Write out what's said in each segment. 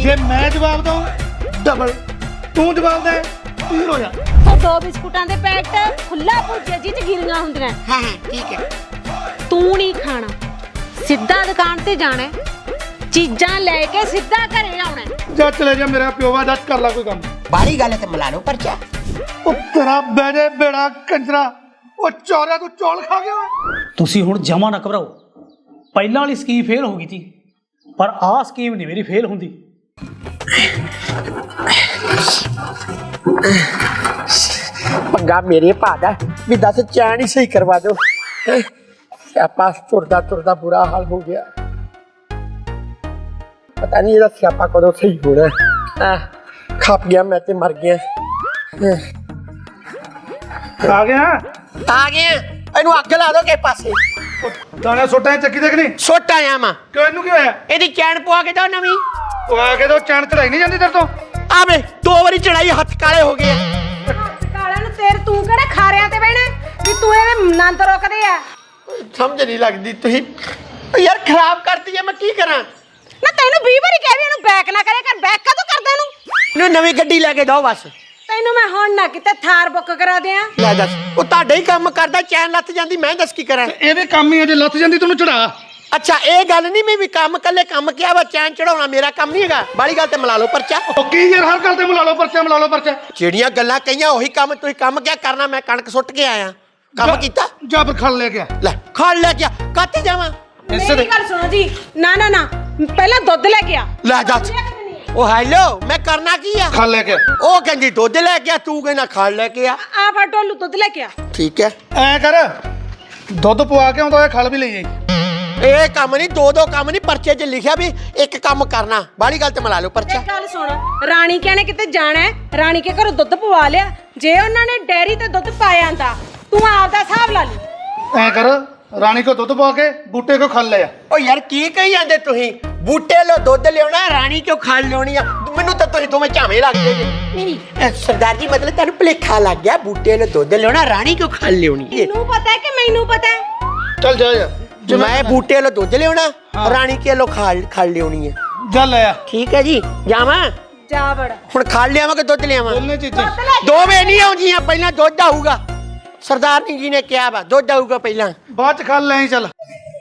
ਜੇ ਮੈਂ ਜਵਾਬ ਦਊਂ ਡਬਲ, ਤੂੰ ਜਵਾਬ ਦੇ 3 ਹੋ ਜਾ। ਉਹ 2 ਬਿਸਕੁਟਾਂ ਦੇ ਪੈਕਟ ਖੁੱਲਾ ਭੁਰਜੀਆ ਜੀ ਚ ਗਿਰੀਆਂ ਹੁੰਦੀਆਂ। ਹਾਂ ਠੀਕ ਹੈ। ਤੂੰ ਨਹੀਂ ਖਾਣਾ, ਸਿੱਧਾ ਦੁਕਾਨ ਤੇ ਜਾਣਾ, ਚੀਜ਼ਾਂ ਲੈ ਕੇ ਸਿੱਧਾ ਘਰੇ ਆਉਣਾ। ਜਾ ਚਲੇ ਜਾ ਮੇਰਾ ਪਿਓਵਾ, ਜਾ ਕਰ ਲੈ ਕੋਈ ਕੰਮ। ਬਾਹਲੀ ਗੱਲ ਤੇ ਮਿਲਾ ਲਓ ਪਰਚਾ। ਉਹ ਤੇਰਾ ਬੇੜੇ ਬੇੜਾ ਕੰਜਰਾ, ਉਹ ਚੌਰਿਆ ਤੂੰ ਚੌਲ ਖਾ ਗਿਆ। ਤੁਸੀਂ ਹੁਣ ਜਮਾ ਨਾ ਘਬਰਾਓ। ਪਹਿਲਾਂ ਵਾਲੀ ਸਕੀਮ ਫੇਲ ਹੋ ਗਈ ਸੀ, ਪਰ ਆਹ ਸਕੀਮ ਨਹੀਂ ਮੇਰੀ ਫੇਲ ਹੁੰਦੀ। ਪੰਗਾ ਮੇਰੇ ਭਾ ਦਾ ਵੀ ਦੱਸ ਚੈਨ ਹੀ ਸਹੀ ਕਰਵਾ ਦਿਓ। ਸਿਆਪਾ ਤੁਰਦਾ ਤੁਰਦਾ ਬੁਰਾ ਹਾਲ ਹੋ ਗਿਆ। ਪਤਾ ਨਹੀਂ ਇਹਦਾ ਸਿਆਪਾ ਕਦੋਂ ਸਹੀ ਹੋਣਾ। ਖੱਪ ਗਿਆ ਮੈਂ ਤੇ ਮਰ ਗਿਆ। ਆ ਗਿਆ ਆ ਗਿਆ, ਇਹਨੂੰ ਅੱਗ ਲਾ ਦੋ ਕਿਸੇ ਪਾਸੇ। ਦਾਣਾ ਸੁੱਟਾਂ ਚੱਕੀ ਦੇ ਕਿ ਨਹੀਂ? ਸੁੱਟ ਆਇਆ ਮੈਂ। ਕਿਉਂ, ਇਹਨੂੰ ਕੀ ਹੋਇਆ? ਇਹਦੀ ਚੈਨ ਪਵਾ ਕੇ ਦੋ ਨਵੀਂ। ਉਹ ਆ ਕੇ ਤਾਂ ਚੈਨ ਚੜਾਈ ਨਹੀਂ ਜਾਂਦੀ ਤੇਰੇ ਤੋਂ। ਆਵੇ 2 ਵਾਰੀ ਚੜਾਈ, ਹੱਥ ਕਾਲੇ ਹੋ ਗਏ। ਕਾਲਿਆਂ ਨੂੰ ਤੂੰ ਕਿਹੜੇ ਖਾਰਿਆਂ ਤੇ ਬਹਿਣਾ ਵੀ ਤੂੰ ਇਹਦੇ ਨੰਦ ਰੋਕਦੇ ਆ? ਸਮਝ ਨਹੀਂ ਲੱਗਦੀ ਤੁਸੀਂ ਯਾਰ, ਖਰਾਬ ਕਰਤੀ ਹੈ, ਮੈਂ ਕੀ ਕਰਾਂ? ਨਾ ਤੈਨੂੰ 20 ਵਾਰੀ ਕਹਿ ਵੀ ਇਹਨੂੰ ਬੈਕ ਨਾ ਕਰੇ ਕਰ, ਬੈਕ ਕਦੋਂ ਕਰਦਾ ਇਹਨੂੰ? ਨਵੀਂ ਗੱਡੀ ਲੈ ਕੇ ਦੋ ਬਸ। ਤੈਨੂੰ ਮੈਂ ਹੁਣ ਨਾ ਕਿਤੇ ਥਾਰ ਬੁੱਕ ਕਰਾ ਦਿਆਂ। ਲੈ ਦੱਸ, ਉਹ ਤੁਹਾਡਾ ਹੀ ਕੰਮ ਕਰਦਾ, ਚੈਨ ਲੱਥ ਜਾਂਦੀ, ਮੈਂ ਦੱਸ ਕੀ ਕਰਾਂ? ਇਹਦੇ ਕੰਮ ਹੀ ਅਜੇ ਲੱਥ ਜਾਂਦੀ, ਤੈਨੂੰ ਚੜਾ। ਅੱਛਾ ਇਹ ਗੱਲ ਨਹੀਂ, ਮੈਂ ਵੀ ਕੰਮ ਕੱਲੇ ਕੰਮ ਕਿਹਾ ਵਾ, ਚੈਨ ਚੜਾਉਣਾ ਮੇਰਾ ਕੰਮ ਨਹੀਂ ਹੈਗਾ। ਬਾਲੀ ਗੱਲ ਤੇ ਮਿਲਾ ਲਓ ਪਰਚਾ। ਉਹ ਕੀ ਯਾਰ, ਹਰ ਗੱਲ ਤੇ ਮਿਲਾ ਲਓ ਪਰਚਾ, ਮਿਲਾ ਲਓ ਪਰਚਾ। ਜਿਹੜੀਆਂ ਗੱਲਾਂ ਕਹੀਆਂ ਉਹੀ ਕੰਮ, ਤੁਸੀਂ ਕੰਮ ਕਿਆ ਕਰਨਾ? ਮੈਂ ਕਣਕ ਸੁੱਟ ਕੇ ਆਇਆ, ਕੰਮ ਕੀਤਾ। ਜਾ ਫਿਰ ਖੜ ਲੈ ਗਿਆ। ਲੈ ਖੜ ਲੈ ਗਿਆ, ਕਾਤੇ ਜਾਵਾਂ? ਮੇਰੀ ਗੱਲ ਸੁਣੋ ਜੀ, ਨਾ ਨਾ ਨਾ, ਪਹਿਲਾਂ ਦੁੱਧ ਲੈ ਕੇ ਆ। ਲੈ ਦੱਸ, ਉਹ ਹੈਲੋ, ਮੈਂ ਕਰਨਾ ਕੀ ਆ? ਖੜ ਲੈ ਕੇ। ਉਹ ਕਹਿੰਦੀ ਦੁੱਧ ਲੈ ਕੇ ਆ, ਤੂੰ ਕਹਿੰਦਾ ਖੜ ਲੈ ਕੇ ਆ। ਆ ਫੜ ਡੋਲੂ ਦੁੱਧ ਲੈ ਕੇ ਆ। ਠੀਕ ਹੈ, ਐ ਕਰ, ਦੁੱਧ ਪਵਾ ਕੇ ਆਉਂਦਾ ਹੋਇਆ ਖਲ ਵੀ ਲਈ ਜਾਈ। ਇਹ ਕੰਮ ਨਹੀਂ, ਦੋ ਕੰਮ ਨਹੀਂ, ਪਰਚੇ 'ਚ ਲਿਖਿਆ ਵੀ ਇੱਕ ਕੰਮ ਕਰਨਾ। ਬਾਲੀ ਗੱਲ ਤੇ ਮਿਲਾ ਲਓ ਪਰਚਾ। ਇੱਕ ਗੱਲ ਸੁਣ, ਰਾਣੀ ਕਹਿਣੇ ਕਿਤੇ ਜਾਣਾ ਹੈ, ਰਾਣੀ ਕੇ ਘਰੋਂ ਦੁੱਧ ਪਵਾ ਲਿਆ। ਜੇ ਉਹਨਾਂ ਨੇ ਡੈਰੀ ਤੇ ਦੁੱਧ ਪਾਇਆ ਆਂਦਾ, ਤੂੰ ਆਪ ਦਾ ਹਿਸਾਬ ਲਾ ਲਈ। ਐ ਕਰ, ਰਾਣੀ ਕੋ ਦੁੱਧ ਪਵਾ ਕੇ ਬੂਟੇ ਕੋ ਖਲ ਲਿਆ। ਓ ਯਾਰ ਕੀ ਕਹੀ ਜਾਂਦੇ ਤੁਸੀਂ? ਬੂਟੇ ਲੋ ਦੁੱਧ ਲਿਆਉਣਾ, ਰਾਣੀ ਕਿਉਂ ਖਲ ਲਿਆਉਣੀ ਆ? ਮੈਨੂੰ ਤਾਂ ਤੁਸੀਂ ਦੋਵੇਂ ਝਾਵੇਂ ਲੱਗਦੇ ਜੇ। ਨਹੀਂ ਸਰਦਾਰ ਜੀ, ਮਤਲਬ ਤੁਹਾਨੂੰ ਭੁਲੇਖਾ ਲੱਗ ਗਿਆ। ਬੂਟੇ ਲੋ ਦੁੱਧ ਲਿਆਉਣਾ, ਰਾਣੀ ਕਿਉਂ ਖਲ ਲਿਆਉਣੀ? ਤੈਨੂੰ ਪਤਾ ਹੈ ਕਿ ਮੈਨੂੰ ਪਤਾ ਹੈ? ਚੱਲ ਜਾ ਯਾਰ, ਮੈਂ ਬੂਟੇ ਲੋ ਦੁੱਧ ਲਿਆਉਣਾ, ਰਾਣੀ ਕੇ ਲੋ ਖਲ ਲਿਆਉਣੀ ਹੈ। ਜਾ ਲੈ ਆ। ਠੀਕ ਹੈ ਜੀ, ਜਾਵਾਂ ਜਾ ਵੜ। ਹੁਣ ਖਲ ਲਿਆਵਾਂ ਕਿ ਦੁੱਧ ਲਿਆਵਾਂ? ਦੋਨੇ ਚੀਜ਼ਾਂ। ਦੋਵੇਂ ਨਹੀਂ ਆਉਂਦੀਆਂ, ਪਹਿਲਾਂ ਦੁੱਧ ਆਊਗਾ। ਸਰਦਾਰ ਜੀ ਨੇ ਕਿਹਾ ਵਾ ਦੁੱਧ ਆਊਗਾ ਪਹਿਲਾਂ। ਬਾਅਦ ਚ ਖਲ ਲੈ ਚੱਲ।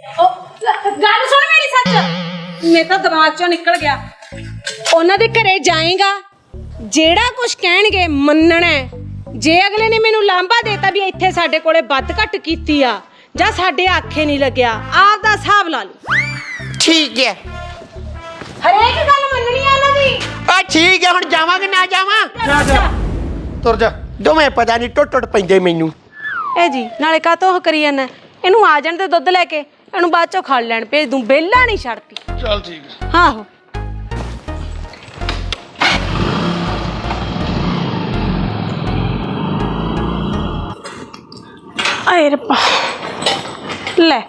ਗੱਲ ਸੁਣ ਮੇਰੀ ਸੱਚ, ਮੇਰੇ ਤਾਂ ਦਿਮਾਗ ਚੋਂ ਨਿਕਲ ਗਿਆ। ਉਹਨਾਂ ਦੇ ਘਰੇ ਜਾਏਗਾ, ਜਿਹੜਾ ਕੁਝ ਕਹਿਣਗੇ ਮੰਨਣਾ ਹੈ। ਜੇ ਅਗਲੇ ਨੇ ਮੈਨੂੰ ਲਾਂਭਾ ਦੇਤਾ ਵੀ ਇੱਥੇ ਸਾਡੇ ਕੋਲੇ ਵੱਧ ਘੱਟ ਕੀਤੀ ਆ ਜਾਂ ਸਾਡੇ ਆਖੇ ਨਹੀਂ ਲੱਗਿਆ, ਆਪ ਦਾ ਹਿਸਾਬ ਲਾ ਲਓ। ਠੀਕ ਹੈ, ਹਰੇਕ ਗੱਲ ਮੰਨਣੀ ਆ ਉਹਨਾਂ ਦੀ। ਆ ਠੀਕ ਹੈ, ਹੁਣ ਜਾਵਾਂ ਕਿ ਨਾ ਜਾਵਾਂ? ਜਾ ਜਾ, ਤੁਰ ਜਾ। ਦੋਵੇਂ ਪਤਾ ਨਹੀਂ ਟੁੱਟ ਪੈਂਦੇ ਮੈਨੂੰ। ਇਹ ਜੀ ਨਾਲੇ ਕਾਹਤੋਂ ਉਹ ਕਰੀ ਜਾਂਦਾ? ਇਹਨੂੰ ਆ ਜਾਣ ਤੇ ਦੁੱਧ ਲੈ ਕੇ, ਇਹਨੂੰ ਬਾਅਦ ਚੋਂ ਖੜ ਲੈਣ ਭੇਜ ਦੂੰ, ਬੇਲਾ ਨਹੀਂ ਛੱਡਦੀ। ਚੱਲ ਠੀਕ ਹੈ। ਆਹੋ ਆਏ ਰੱਬਾ, ਲੈ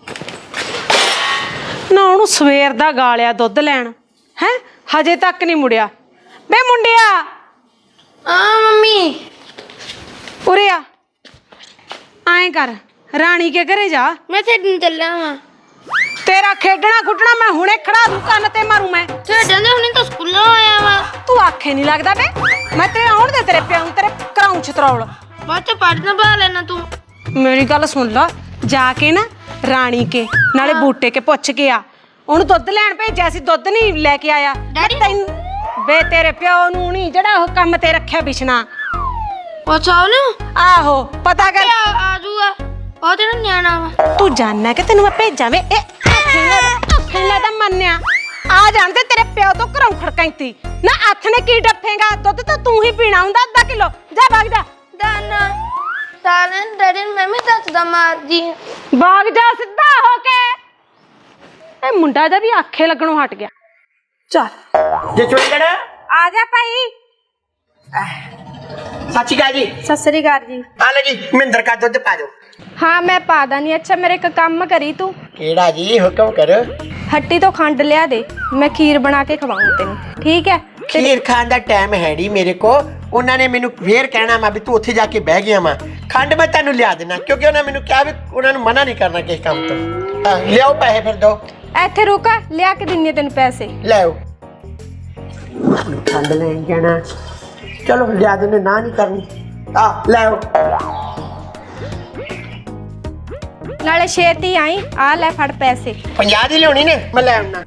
ਨਾ ਉਹਨੂੰ ਸਵੇਰ ਦਾ ਗਾਲਿਆ ਦੁੱਧ ਲੈਣ ਹੈ, ਹਜੇ ਤੱਕ ਨਹੀਂ ਮੁੜਿਆ। ਬੇ ਮੁੰਡਿਆ, ਆ ਮੰਮੀ, ਉਰੇ ਆ। ਐਂ ਕਰ, ਰਾਣੀ ਕੇ ਘਰੇ ਜਾ। ਮੈਂ ਖੇਡਣ ਚੱਲਿਆ ਵਾਂ। ਤੇਰਾ ਖੇਡਣਾ ਖੁੱਟਣਾ ਮੈਂ ਹੁਣੇ ਖੜਾ ਦੂੰ, ਕੰਨ ਤੇ ਮਾਰੂ ਮੈਂ। ਖੇਡਣ ਦੇ ਹੁਣੇ ਤਾਂ ਸਕੂਲੋਂ ਆਇਆ ਵਾਂ। ਤੂੰ ਆਖੇ ਨਹੀਂ ਲੱਗਦਾ ਬੇ। ਮੈਂ ਤੇਰੇ ਆਉਣ ਦੇ, ਤੇਰੇ ਪਿਓ ਨੂੰ ਤੇਰੇ ਕਰਾਉਂ ਛਤਰੌਲ। ਬਾਅਦ ਚ ਪੜ੍ਹਨਾ ਬਾ ਲੈਣਾ ਤੂੰ। ਮੇਰੀ ਗੱਲ ਸੁਣ ਲਾ, ਜਾ ਕੇ ਨਾ ਰਾਣੀ ਕੇ ਨਾਲੇ ਬੂਟੇ ਕੇ ਪੁੱਛ ਕੇ ਆ। ਉਹਨੂੰ ਦੁੱਧ ਲੈਣ ਭੇਜਿਆ ਸੀ, ਦੁੱਧ ਨਹੀਂ ਲੈ ਕੇ ਆਇਆ। ਡੈਡੀ ਬੇ ਤੇਰੇ ਪਿਓ ਨੂੰ ਨਹੀਂ, ਜਿਹੜਾ ਉਹ ਕੰਮ ਤੇ ਰੱਖਿਆ ਬਿਸ਼ਨਾ। ਅੱਛਾ ਉਹਨੂੰ ਆਹੋ ਪਤਾ ਕਰ। ਆ ਜੂਗਾ, ਉਹ ਤੇਰਾ ਨਿਆਣਾ ਵਾ। ਤੂੰ ਜਾਣਨਾ ਕਿ ਤੈਨੂੰ ਮੈਂ ਭੇਜਾਂ ਵੇ? ਇਹ ਆਖੇ ਦਾ ਮੰਨਿਆ ਆ ਜਾਣ ਤੇ ਤੇਰੇ ਪਿਓ ਤੋਂ ਘਰੋਂ ਖੜਕਾਈਤੀ ਨਾ। ਹੱਥ ਨੇ ਕੀ ਡੱਫੇਗਾ? ਦੁੱਧ ਤਾਂ ਤੂੰ ਹੀ ਪੀਣਾ ਹੁੰਦਾ, ਅੱਧਾ ਕਿਲੋ। ਜਾ ਭਾਗ ਜਾ। ਦਾਨਾ ਸਾਰਨ ਡੈਡੀ ਨੂੰ ਮੈਂ ਵੀ ਦੱਸਦਾ ਮਾਰ ਜੀ। ਭਾਗ ਜਾ ਸਿੱਧਾ ਹੋ ਕੇ। ਇਹ ਮੁੰਡਾ ਦਾ ਵੀ ਆਖੇ ਲੱਗਣੋਂ ਹਟ ਗਿਆ। ਚੱਲ ਜੇ ਚੁੰਗੜ ਆ ਜਾ ਭਾਈ। ਸੱਚੀ ਗੱਲ ਜੀ। ਸਤਿ ਸ੍ਰੀ ਅਕਾਲ ਜੀ। ਆ ਲੈ ਜੀ, ਮਹਿੰਦਰ ਕਾ ਦੁੱਧ ਪਾ ਦਿਓ। हाँ मैं पा दानी। अच्छा मेरे एक काम करी तू, केड़ा जी हुक्म कर। हट्टी तो खंड लिया दे, मैं खीर बना के खवाऊं तेन, ठीक है? खीर खान दा टाइम है नहीं मेरे को। उन्होंने मैनू फिर कहना मैं भी तू उत्थे जाके बह गया मैं खंड मैं तेनू लिया देना, क्योंकि उन्होंने मैनू कहा भी उन्होंने मना नहीं करना किस काम तो। लियाओ पैसे फिर दो। इत्थे रुक, लिया के दिन्नी तेन पैसे। ले आओ। ਖੰਡ ਲੈਣ ਜਾਣਾ। ਚਲੋ ਲਿਆ ਦਿੰਦੇ, ਨਾ ਨਹੀਂ ਕਰਨੀ। ਆ ਲੈ ਆਓ। ਨਾਲੇ ਛੇਤੀ ਆਈ, ਆ ਲੈ ਫੜ ਪੈਸੇ। 50 ਦੀ ਲਿਆਉਣੀ ਨੇ, ਮੈਂ ਲੈ ਆਉਣਾ।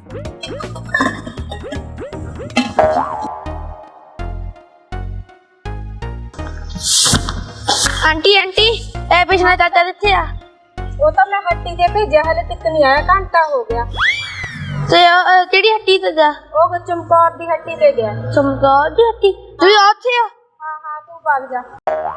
ਆਂਟੀ ਆਂਟੀ ਇਹ ਪਿਛਲਾ ਚਾਚਾ ਕਿੱਥੇ ਆ? ਉਹ ਤਾਂ ਮੈਂ ਹੱਟੀ ਤੇ ਭੇਜਿਆ, ਹਲੇ ਤੱਕ ਨਹੀਂ ਆਇਆ, ਘੰਟਾ ਹੋ ਗਿਆ। ਤੇ ਕਿਹੜੀ ਹੱਟੀ ਤੇ ਜਾ? ਉਹ ਚੰਪੌਰ ਦੀ ਹੱਟੀ ਤੇ ਗਿਆ। ਚਮਕੌਰ ਦੀ ਹੱਟੀ? ਤੁਸੀਂ ਉੱਥੇ ਆ? ਹਾਂ ਤੂੰ ਵਗ ਜਾ।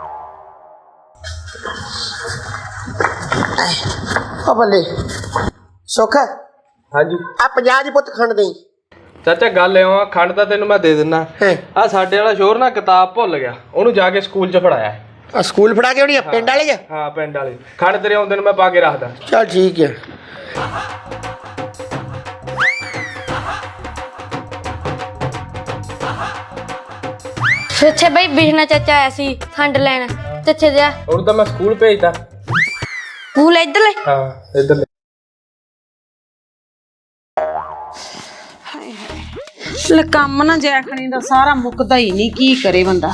ਓ ਬੱਲੇ ਸੁੱਖ, ਹਾਂਜੀ ਆ 50 ਦੀ ਪੁੱਤ ਖੰਡ ਦੇਈ। ਚਾਚਾ ਗੱਲ ਇਉਂ ਆ, ਖੰਡ ਤਾਂ ਤੈਨੂੰ ਮੈਂ ਦੇ ਦਿੰਦਾ। ਆ ਸਾਡੇ ਵਾਲਾ ਸ਼ੋਰ ਨਾ ਕਿਤਾਬ ਭੁੱਲ ਗਿਆ, ਉਹਨੂੰ ਜਾ ਕੇ ਸਕੂਲ 'ਚ ਫੜਾਇਆ। ਆ ਸਕੂਲ ਫੜਾ ਕੇ ਆਉਣੀ ਆ ਪਿੰਡ ਵਾਲੇ ਚ? ਹਾਂ ਪਿੰਡ ਵਾਲੇ। ਖੰਡ ਤੇਰੇ ਆਉਂਦੇ ਨੂੰ ਮੈਂ ਪਾ ਕੇ ਰੱਖਦਾ। ਚਲ ਠੀਕ ਹੈ। ਇੱਥੇ ਬਈ ਬਿਸ਼ਨਾ ਚਾਚਾ ਆਇਆ ਸੀ ਖੰਡ ਲੈਣ, ਤੇ ਇੱਥੇ ਜਾ ਉਹਨੂੰ ਤਾਂ ਮੈਂ ਸਕੂਲ ਭੇਜਦਾ। ਸਕੂਲ ਇੱਧਰਲੇ? ਹਾਂ ਇੱਧਰ। ਲੈ ਕੰਮ ਨਾ ਜੈਖਣੀ ਦਾ ਸਾਰਾ ਮੁੱਕਦਾ ਹੀ ਨਹੀਂ, ਕੀ ਕਰੇ ਬੰਦਾ।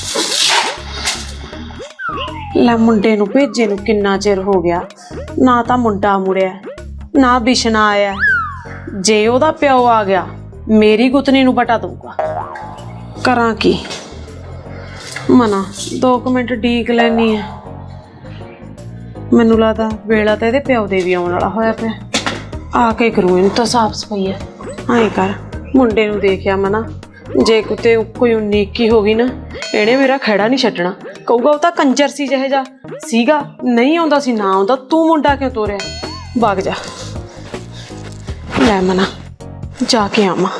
ਲੈ ਮੁੰਡੇ ਨੂੰ ਭੇਜੇ ਨੂੰ ਕਿੰਨਾ ਚਿਰ ਹੋ ਗਿਆ, ਨਾ ਤਾਂ ਮੁੰਡਾ ਮੁੜਿਆ ਨਾ ਬਿਸ਼ਨਾ ਆਇਆ। ਜੇ ਉਹਦਾ ਪਿਓ ਆ ਗਿਆ ਮੇਰੀ ਗੁੱਤਨੀ ਨੂੰ ਬਟਾ ਦਊਗਾ। ਕਰਾਂ ਕੀ? ਮਨਾ 2 ਮਿੰਟ ਡੀਕ ਲੈਣੀ ਹੈ। ਮੈਨੂੰ ਲੱਗਦਾ ਵੇਲਾ ਤਾਂ ਇਹਦੇ ਪਿਓ ਦੇ ਵੀ ਆਉਣ ਵਾਲਾ ਹੋਇਆ ਪਿਆ। ਆ ਕੇ ਕਰੂ ਇਹਨੂੰ ਤਾਂ ਸਾਫ ਸਫਾਈ ਹੈ। ਐਂ ਕਰ, ਮੁੰਡੇ ਨੂੰ ਦੇਖਿਆ ਮਨਾ, ਜੇ ਕਿਤੇ ਕੋਈ ਉਨੀਕੀ ਹੋ ਗਈ ਨਾ, ਇਹਨੇ ਮੇਰਾ ਖਹਿੜਾ ਨਹੀਂ ਛੱਡਣਾ। ਕਹੂਗਾ ਉਹ ਤਾਂ ਕੰਜਰ ਸੀ, ਜਿਹੇ ਜਾ ਸੀਗਾ, ਨਹੀਂ ਆਉਂਦਾ ਸੀ ਨਾ ਆਉਂਦਾ, ਤੂੰ ਮੁੰਡਾ ਕਿਉਂ ਤੋਰਿਆ? ਵਗ ਜਾ। ਲੈ ਮਨਾ ਜਾ ਕੇ ਆਵਾਂ।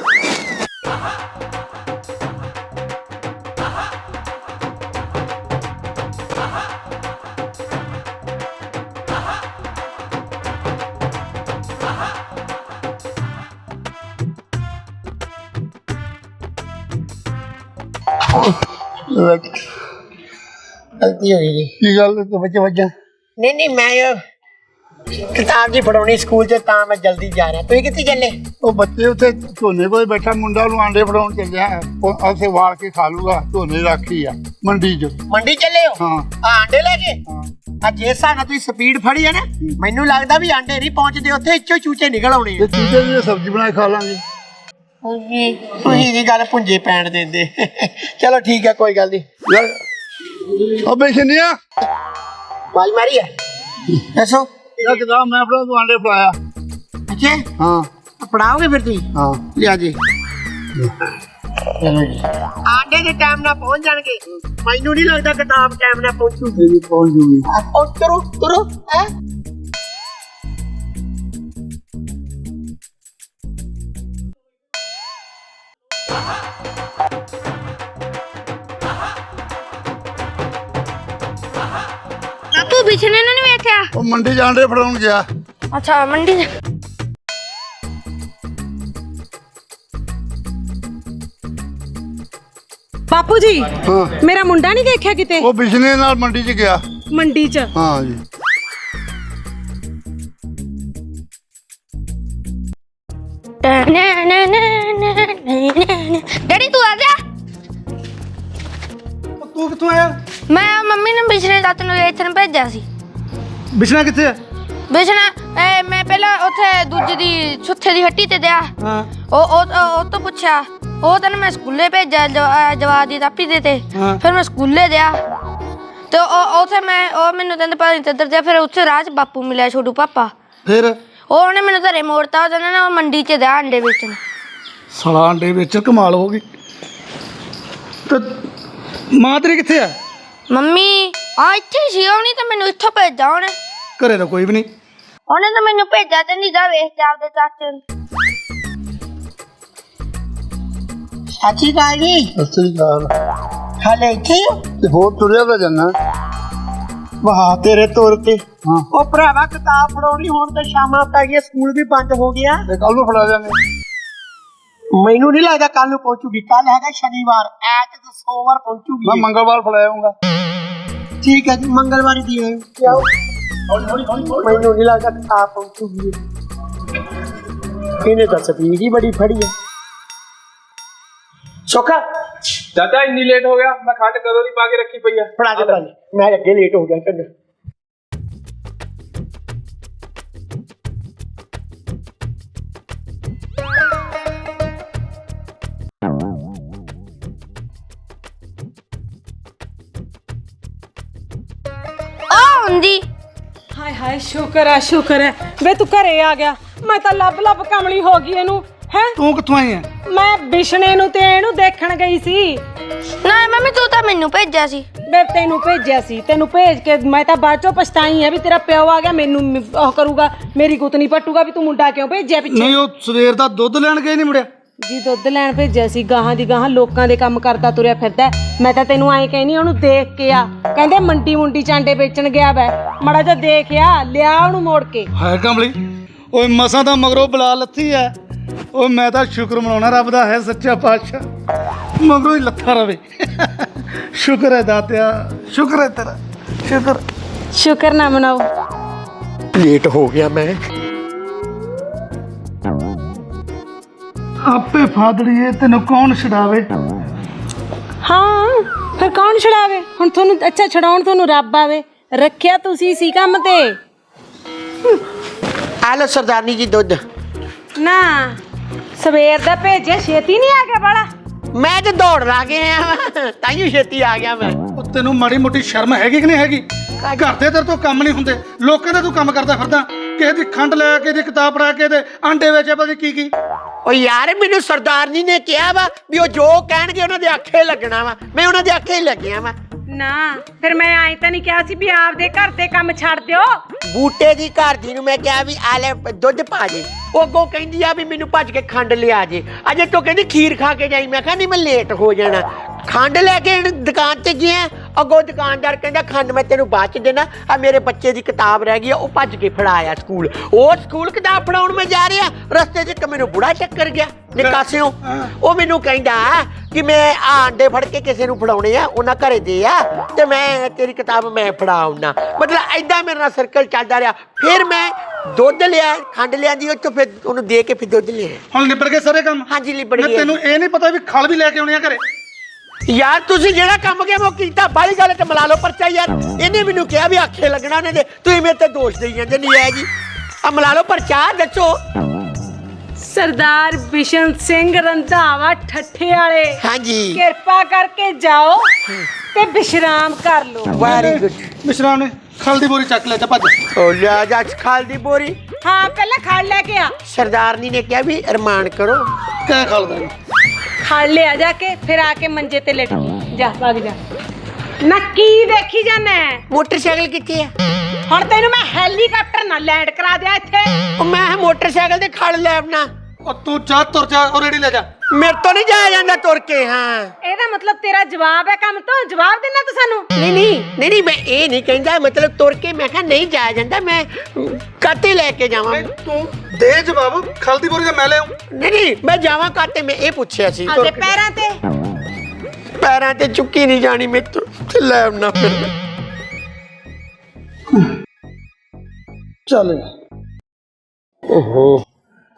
ਗਲਤੀ ਹੋ ਗਈ ਜੀ। ਕੀ ਗੱਲ ਤੂੰ ਬੱਚੇ ਵੱਜਾ? ਨਹੀਂ ਮੈਂ ਕਿਤਾਬ ਜੀ ਫੜਾਉਣੀ ਸਕੂਲ 'ਚ, ਤਾਂ ਮੈਂ ਜਲਦੀ ਜਾ ਰਿਹਾ। ਤੁਸੀਂ ਕਿੱਥੇ ਚੱਲੇ? ਉਹ ਬੱਚੇ ਉੱਥੇ ਝੋਨੇ ਕੋਲ ਬੈਠਾ ਮੁੰਡਾ, ਉਹਨੂੰ ਆਂਡੇ ਫੜਾਉਣ ਚੱਲਿਆ। ਉਹ ਉੱਥੇ ਵਾਲ ਕੇ ਖਾ ਲੂਗਾ। ਝੋਨੇ ਰੱਖੀ ਆ ਮੰਡੀ 'ਚ। ਮੰਡੀ ਚੱਲੇ ਹੋ? ਹਾਂ। ਆਂਡੇ ਲੈ ਕੇ? ਹਾਂ। ਆ ਜੇ ਹਿਸਾਬ ਨਾਲ ਤੁਸੀਂ ਸਪੀਡ ਫੜੀ ਹੈ ਨਾ, ਮੈਨੂੰ ਲੱਗਦਾ ਵੀ ਆਂਡੇ ਨਹੀਂ ਪਹੁੰਚਦੇ ਉੱਥੇ, ਇੱਚੋ ਚੂਚੇ ਨਿਕਲ ਆਉਣੇ ਤੇ ਚੂਚੇ ਦੀ ਸਬਜ਼ੀ ਬਣਾ ਕੇ ਖਾ ਲਾਂਗੇ। ਤੁਸੀਂ ਦੀ ਗੱਲ ਪੁੰਜੇ ਪੈਣ ਦਿੰਦੇ। ਚਲੋ ਠੀਕ ਹੈ, ਕੋਈ ਗੱਲ ਨਹੀਂ। ਯਾਰ ਉਹ ਬੇਸ਼ਨੀਆ ਬਾਜ ਮਾਰੀ ਹੈ, ਦੱਸੋ। ਇਹ ਕਿਤਾਬ ਮੈਂ ਫੜਾ, ਤੂੰ ਆਂਡੇ ਫੜਾਇਆ। ਅੱਛਾ ਹਾਂ ਪੜਾਓਗੇ ਫਿਰ ਤੁਸੀਂ? ਹਾਂ ਲਿਆ ਜੀ। ਚਲੋ ਜੀ, ਆਂਡੇ ਦੇ ਟਾਈਮ ਨਾਲ ਪਹੁੰਚ ਜਾਣਗੇ। ਮੈਨੂੰ ਨਹੀਂ ਲੱਗਦਾ ਕਿਤਾਬ ਟਾਈਮ ਨਾਲ ਪਹੁੰਚੂਗੀ। ਪਹੁੰਚ ਜੂਗੀ। ਤੁਰੋ ਤੁਰੋ। ਹੈ ਬਾਪੂ ਬਿਸ਼ਨੇ ਨੂੰ ਨਹੀਂ ਵੇਖਿਆ? ਉਹ ਮੰਡੀ 'ਚ ਆਂਡੇ ਫੜਾਉਣ ਗਿਆ। ਅੱਛਾ ਮੰਡੀ ਚ। ਬਾਪੂ ਜੀ ਹਾਂ। ਮੇਰਾ ਮੁੰਡਾ ਨਹੀਂ ਦੇਖਿਆ ਕਿਤੇ ਉਹ ਬਿਜਨੇ ਨਾਲ ਮੰਡੀ 'ਚ ਗਿਆ। ਮੰਡੀ 'ਚ? ਹਾਂ ਜੀ। ਡੈਡੀ ਤੂੰ ਆ ਗਿਆ? ਤੂੰ ਕਿੱਥੋਂ ਆਇਆ? ਮੈਂ ਮੰਮੀ ਨੇ ਬਿਸ਼ਨੇ ਦਾਤ ਨੂੰ ਇੱਥੇ ਨੂੰ ਭੇਜਿਆ ਸੀ। ਬਿਸ਼ਨਾ ਕਿੱਥੇ ਹੈ? ਬਿਸ਼ਨਾ ਮੈਂ ਪਹਿਲਾਂ ਉੱਥੇ ਦੂਜੀ ਦੀ ਸੁੱਥੇ ਦੀ ਹੱਟੀ ਤੇ ਦਿਆ। ਹਾਂ। ਉਹ ਤੋਂ ਪੁੱਛਿਆ, ਉਹ ਤਾਂ ਮੈਂ ਸਕੂਲੇ ਭੇਜਿਆ ਜਵਾਬ ਦੀ ਤਾਪੀ ਦੇ ਤੇ। ਫਿਰ ਮੈਂ ਸਕੂਲੇ ਦਿਆ ਤੇ ਉੱਥੇ ਉਹ ਮੈਨੂੰ ਕਹਿੰਦੇ ਪਤਾ ਨਹੀਂ ਕਿੱਧਰ ਦਿਆ। ਫਿਰ ਉੱਥੇ ਰਾਹ 'ਚ ਬਾਪੂ ਮਿਲਿਆ, ਛੋਟੂ ਪਾਪਾ। ਫਿਰ ਉਹਨੇ ਮੈਨੂੰ ਘਰੇ ਮੋੜਤਾ। ਉਹਦੇ ਨਾਲ ਉਹ ਮੰਡੀ 'ਚ ਦਿਆ ਅੰਡੇ ਵੇਚਣ। ਸਾਲਾ ਅੰਡੇ ਵੇਚ ਕਮਾਲ ਹੋ ਗਈ। ਤੇ ਮਾਂ ਤੇਰੀ ਕਿੱਥੇ ਆ? ਮੰਮੀ ਆ ਇੱਥੇ ਸੀ। ਉਹਨੇ ਤਾਂ ਮੈਨੂੰ ਇੱਥੋਂ ਭੇਜਿਆ। ਉਹਨੇ ਘਰੇ ਤਾਂ ਕੋਈ ਵੀ ਨਹੀਂ। ਉਹਨੇ ਤਾਂ ਮੈਨੂੰ ਭੇਜਿਆ ਤੇ ਨਹੀਂ ਜਾ ਵੇਖ ਕੇ ਆਪਦੇ ਚਾਚੇ ਨੂੰ। ਸਾਚੀ ਗੱਲ ਜੀ। ਸੱਚੀ ਗੱਲ। ਹਾਲੇ ਇੱਥੇ ਹੀ ਹੋ? ਤੇ ਹੋਰ ਤੁਰਿਆ ਤਾਂ ਜਾਣਾ। ਵਾਹ ਤੇਰੇ ਤੁਰ ਤੇ। ਹਾਂ। ਉਹ ਭਰਾਵਾ ਕਿਤਾਬ ਫੜਾਉਣੀ, ਹੁਣ ਤਾਂ ਸ਼ਾਮਾਂ ਪੈ ਗਈਆਂ, ਸਕੂਲ ਵੀ ਬੰਦ ਹੋ ਗਿਆ। ਤੇ ਕੱਲ ਨੂੰ ਫੜਾ ਜਾਵਾਂਗੇ। ਮੈਨੂੰ ਨਹੀਂ ਲੱਗਦਾ ਕੱਲ ਨੂੰ ਪਹੁੰਚੂਗੀ। ਕੱਲ ਹੈਗਾ ਸ਼ਨੀਵਾਰ, ਐਤ ਤੇ ਸੋਮਵਾਰ ਪਹੁੰਚੂਗੀ। ਮੈਂ ਮੰਗਲਵਾਰ ਫੜਾਉਂਗਾ। ਠੀਕ ਹੈ ਜੀ, ਮੰਗਲਵਾਰ ਦੀ ਹੈ। ਆਓ। ਮੈਨੂੰ ਨਹੀਂ ਲੱਗਦਾ ਕਿਤਾਬ ਪਹੁੰਚੂਗੀ। ਇਹਨੇ ਤਾਂ ਸਪੀਡ ਹੀ ਬੜੀ ਫੜੀ ਹੈ। ਸੋਖਾ ਚਾਚਾ ਇੰਨੀ ਲੇਟ ਹੋ ਗਿਆ, ਮੈਂ ਖੰਡ ਕਦੋਂ ਦੀ ਪਾ ਕੇ ਰੱਖੀ ਪਈ ਆ। ਫੜਾ ਦੇ ਭਾਜੀ, ਮੈਂ ਅੱਗੇ ਲੇਟ ਹੋ ਗਿਆ ਚੰਗਾ। ਆ ਹੁੰਦੀ ਹਾਏ ਹਾਏ ਸ਼ੁਕਰ ਹੈ ਵੇ ਤੂੰ ਘਰੇ ਆ ਗਿਆ। ਮੈਂ ਤਾਂ ਲੱਭ ਕਮਲੀ ਹੋ ਗਈ ਇਹਨੂੰ ਹੈ। ਤੂੰ ਕਿੱਥੋਂ ਆਈ ਹੈ? ਮੈਂ ਬਿਸ਼ਨੇ ਨੂੰ ਤੇ ਇਹਨੂੰ ਦੇਖਣ ਗਈ ਸੀ। ਨਾ ਮੰਮੀ ਤੂੰ ਤਾਂ ਮੈਨੂੰ ਭੇਜਿਆ ਸੀ। ਬੇ ਤੈਨੂੰ ਭੇਜਿਆ ਸੀ, ਤੈਨੂੰ ਭੇਜ ਕੇ ਮੈਂ ਤਾਂ ਬਾਅਦ ਚੋਂ ਪਛਤਾਈ ਆ ਵੀ ਤੇਰਾ ਪਿਓ ਆ ਗਿਆ ਮੈਨੂੰ ਉਹ ਕਰੂਗਾ, ਮੇਰੀ ਗੁੱਤ ਨਹੀਂ ਪੱਟੂਗਾ ਵੀ ਤੂੰ ਮੁੰਡਾ ਕਿਉਂ ਭੇਜਿਆ ਪਿੱਛੇ। ਨਹੀਂ, ਉਹ ਸਵੇਰ ਦਾ ਦੁੱਧ ਲੈਣ ਗਏ ਨਹੀਂ ਮੁੜਿਆ। ਜੀ ਦੁੱਧ ਲੈਣ ਭੇਜਿਆ ਸੀ, ਗਾਹਾਂ ਦੀ ਗਾਹਾਂ ਲੋਕਾਂ ਦੇ ਕੰਮ ਕਰਦਾ ਤੁਰਿਆ ਫਿਰਦਾ। ਮੈਂ ਤਾਂ ਤੈਨੂੰ ਐਂ ਕਹਿਨੀ ਉਹਨੂੰ ਦੇਖ ਕੇ ਆ, ਕਹਿੰਦੇ ਮੰਡੀ ਚਾਂਡੇ ਵੇਚਣ ਗਿਆ ਵੈ, ਮੜਾ ਜਾ ਦੇਖਿਆ ਲਿਆ ਉਹਨੂੰ ਮੋੜ ਕੇ। ਹਾਏ ਕਮਲੀ, ਓਏ ਮਸਾਂ ਦਾ ਮਗਰੋਂ ਬਲਾ ਲੱਥੀ ਐ। ਓਏ ਮੈਂ ਤਾਂ ਸ਼ੁਕਰ ਮਨਾਉਣਾ ਰੱਬ ਦਾ ਹੈ ਸੱਚਾ ਪਾਤਸ਼ਾਹ, ਮਗਰੋਂ ਹੀ ਲੱਥਾ ਰਵੇ। ਸ਼ੁਕਰ ਹੈ ਦਾਤਿਆ, ਸ਼ੁਕਰ ਹੈ ਤੇਰਾ, ਸ਼ੁਕਰ ਨਾ ਮਨਾਓ। ਲੇਟ ਹੋ ਗਿਆ ਮੈਂ। ਆਪੇ ਫਾਦੜੀਏ ਤੈਨੂੰ ਕੌਣ ਛਡਾਵੇ। ਹਾਂ ਫਿਰ ਕੌਣ ਛਡਾਵੇ ਹੁਣ ਤੁਹਾਨੂੰ? ਅੱਛਾ ਛਡਾਉਣ ਤੁਹਾਨੂੰ ਰੱਬ ਆਵੇ, ਰੱਖਿਆ ਤੁਸੀਂ ਸੀ ਕੰਮ ਤੇ। ਆ ਲੋ ਸਰਦਾਰਨੀ ਜੀ ਦੁੱਧ। ਨਾ ਸਵੇਰ ਦਾ ਭੇਜਿਆ, ਛੇਤੀ ਨਹੀਂ ਆ ਗਿਆ ਬਾਲਾ। ਮੈਂ ਤੇ ਦੌੜ ਲਾ ਗਿਆ ਤਾਈਓ ਛੇਤੀ ਆ ਗਿਆ ਮੈਂ। ਉਹ ਤੈਨੂੰ ਮਾੜੀ ਮੋਟੀ ਸ਼ਰਮ ਹੈਗੀ ਕਿ ਨਹੀਂ ਹੈਗੀ? ਘਰ ਦੇ ਤੇਰੇ ਤੋਂ ਕੰਮ ਨਹੀਂ ਹੁੰਦੇ, ਲੋਕਾਂ ਦੇ ਤੂੰ ਕੰਮ ਕਰਦਾ ਫਿਰਦਾ। ਕਿਸੇ ਦੀ ਖੰਡ ਲੈ ਕੇ, ਦੀ ਕਿਤਾਬ ਪੜਾ ਕੇ, ਤੇ ਆਂਡੇ ਵੇਚੇ ਪਤਾ ਕੀ। ਓ ਯਾਰ ਮੈਨੂੰ ਸਰਦਾਰਨੀ ਨੇ ਕਿਹਾ ਵਾ ਵੀ ਉਹ ਜੋ ਕਹਿਣਗੇ ਉਹਨਾਂ ਦੇ ਆਖੇ ਲੱਗਣਾ ਵਾ, ਮੈਂ ਉਹਨਾਂ ਦੇ ਆਖੇ ਹੀ ਲੱਗਿਆ ਵਾ। ਨਾ ਫਿਰ ਮੈਂ ਆਈ ਤਾਂ ਨਹੀਂ ਕਿਹਾ ਸੀ ਵੀ ਆਪਦੇ ਘਰ ਦੇ ਕੰਮ ਛੱਡ ਦਿਓ। ਬੂਟੇ ਦੀ ਘਰ ਦੀ ਨੂੰ ਮੈਂ ਕਿਹਾ ਵੀ ਆ ਲੈ ਦੁੱਧ ਪਾ ਜੇ, ਉਹ ਅੱਗੋਂ ਕਹਿੰਦੀ ਆ ਵੀ ਮੈਨੂੰ ਭੱਜ ਕੇ ਖੰਡ ਲਿਆ ਜੇ। ਅਜੇ ਤੋਂ ਕਹਿੰਦੀ ਖੀਰ ਖਾ ਕੇ ਜਾਈ। ਮੈਂ ਕਿਹਾ ਨਹੀਂ, ਮੈਂ ਲੇਟ ਹੋ ਜਾਣਾ। ਖੰਡ ਲੈ ਕੇ ਦੁਕਾਨ ਤੇ ਗਿਆ, ਅੱਗੋਂ ਦੁਕਾਨਦਾਰ ਕਹਿੰਦਾ ਖੰਡ ਮੈਂ ਤੈਨੂੰ ਬਾਅਦ ਚ ਦੇਣਾ, ਆ ਮੇਰੇ ਬੱਚੇ ਦੀ ਕਿਤਾਬ ਰਹਿ ਗਈ ਆ, ਉਹ ਭੱਜ ਕੇ ਫੜਾਇਆ ਸਕੂਲ। ਉਹ ਸਕੂਲ ਕਿਤਾਬ ਫੜਾਉਣ ਮੈਂ ਜਾ ਰਿਹਾ, ਰਸਤੇ 'ਚ ਮੈਨੂੰ ਬੁੜਾ ਟੱਕਰ ਗਿਆ ਨਿਕਾਸਿਓ। ਉਹ ਮੈਨੂੰ ਕਹਿੰਦਾ ਕਿ ਮੈਂ ਆਂਡੇ ਫੜ ਕੇ ਕਿਸੇ ਨੂੰ ਫੜਾਉਣੇ ਆ, ਉਹਨਾਂ ਘਰੇ ਦੇ ਆ, ਤੇ ਮੈਂ ਤੇਰੀ ਕਿਤਾਬ ਮੈਂ ਫੜਾਉਣਾ। ਮਤਲਬ ਏਦਾਂ ਮੇਰੇ ਨਾਲ ਸਰਕਲ ਚੱਲਦਾ ਰਿਹਾ। ਫਿਰ ਮੈਂ ਦੁੱਧ ਲਿਆ, ਖੰਡ ਲਿਆਂਦੀ, ਉਹ ਤੋਂ ਫਿਰ ਉਹਨੂੰ ਦੇ ਕੇ ਫਿਰ ਦੁੱਧ ਲਿਆ। ਹੁਣ ਲਿਬੜ ਗਏ ਸਾਰੇ ਕੰਮ? ਹਾਂਜੀ ਲਿਬੜ ਗਏ। ਤੈਨੂੰ ਇਹ ਨਹੀਂ ਪਤਾ ਵੀ ਖਲ ਵੀ ਲੈ ਕੇ ਆਉਣੇ ਆ ਘਰੇ? ਯਾਰ ਤੁਸੀਂ ਜਿਹੜਾ ਕੰਮ ਗਿਆ ਉਹ ਕੀਤਾ, ਬਾਹਲੀ ਗੱਲ ਤੇ ਮਿਲਾ ਲਓ ਪਰਚਾ। ਯਾਰ ਇਹਨੇ ਮੈਨੂੰ ਕਿਹਾ ਵੀ ਆਖੇ ਲੱਗਣਾ ਉਹਨੇ ਦੇ, ਤੁਸੀਂ ਮੇਰੇ ਤੇ ਦੋਸ਼ ਦੇਈ ਜਾਂਦੇ। ਨਹੀਂ ਹੈ ਜੀ, ਆ ਮਿਲਾ ਲਓ ਪਰਚਾ। ਦੱਸੋ। ਸਰਦਾਰ ਬਿਸ਼ਨ ਸਿੰਘ ਰੰਧਾਵਾ ਠੱਠੇ ਵਾਲੇ, ਹਾਂਜੀ ਕਿਰਪਾ ਕਰਕੇ ਜਾਓ ਤੇ ਵਿਸ਼ਰਾਮ ਕਰ ਲਓ। Very good. ਮਿਸ਼ਰਾ ਨੇ ਖਲ ਦੀ ਬੋਰੀ ਚੱਕ ਲੈ ਤੇ ਭੱਜ। ਉਹ ਲਿਆ ਜਾ ਖਾਲ ਦੀ ਬੋਰੀ। ਹਾਂ ਪਹਿਲਾਂ ਖੜ ਲੈ ਕੇ ਆ। ਸਰਦਾਰਨੀ ਨੇ ਕਿਹਾ ਵੀ ਅਰਮਾਨ ਕਰੋ। ਕਹਿ ਖਲਦਾ ਖੜ ਲਿਆ ਜਾ ਕੇ, ਫਿਰ ਆ ਕੇ ਮੰਜੇ ਤੇ ਲੇਟ ਜਾ, ਵਗ ਜਾ। ਨਾ ਕੀ ਦੇਖੀ ਜਾਨਾ? ਮੋਟਰਸਾਈਕਲ ਕਿੱਥੇ ਆ? ਹੁਣ ਤੈਨੂੰ ਮੈਂ ਹੈਲੀਕਾਪਟਰ ਨਾਲ ਲੈਂਡ ਕਰਾ ਦਿਆਂ ਇੱਥੇ। ਉਹ ਮੈਂ ਮੋਟਰਸਾਈਕਲ ਤੇ ਖੜ ਲੈ ਆਪਣਾ। ਉਹ ਤੂੰ ਜਾ ਤੁਰ ਜਾ, ਉਹ ਰੇੜੀ ਲੈ ਜਾ। ਮੇਰੇ ਤੋਂ ਨਹੀਂ ਜਾਇਆ ਜਾਂਦਾ ਤੁਰ ਕੇ। ਹਾਂ ਇਹਦਾ ਮਤਲਬ ਤੇਰਾ ਜਵਾਬ ਹੈ ਕੰਮ ਤੋਂ? ਜਵਾਬ ਦੇਣਾ ਤੂੰ ਸਾਨੂੰ? ਨਹੀਂ ਮੈਂ ਇਹ ਨਹੀਂ ਕਹਿੰਦਾ, ਮਤਲਬ ਤੁਰ ਕੇ ਮੈਂ ਕਿਹਾ ਨਹੀਂ ਜਾਇਆ ਜਾਂਦਾ, ਮੈਂ ਕਾਤੇ ਲੈ ਕੇ ਜਾਵਾਂ। ਤੂੰ ਦੇ ਜਵਾਬ, ਖਲ ਦੀ ਬੋਰੀ ਤਾਂ ਮੈਂ ਲੈ ਆਉਂ। ਨਹੀਂ ਮੈਂ ਜਾਵਾਂ ਕਾਤੇ, ਮੈਂ ਇਹ ਪੁੱਛਿਆ ਸੀ। ਆਪਦੇ ਪੈਰਾਂ ਤੇ। ਪੈਰਾਂ ਤੇ ਚੁੱਕੀ ਨਹੀਂ ਜਾਣੀ ਮੇਰੇ ਤੋਂ, ਤੇ ਲੈ ਆਉਣਾ ਫਿਰ। ਚੱਲ ਓਹੋ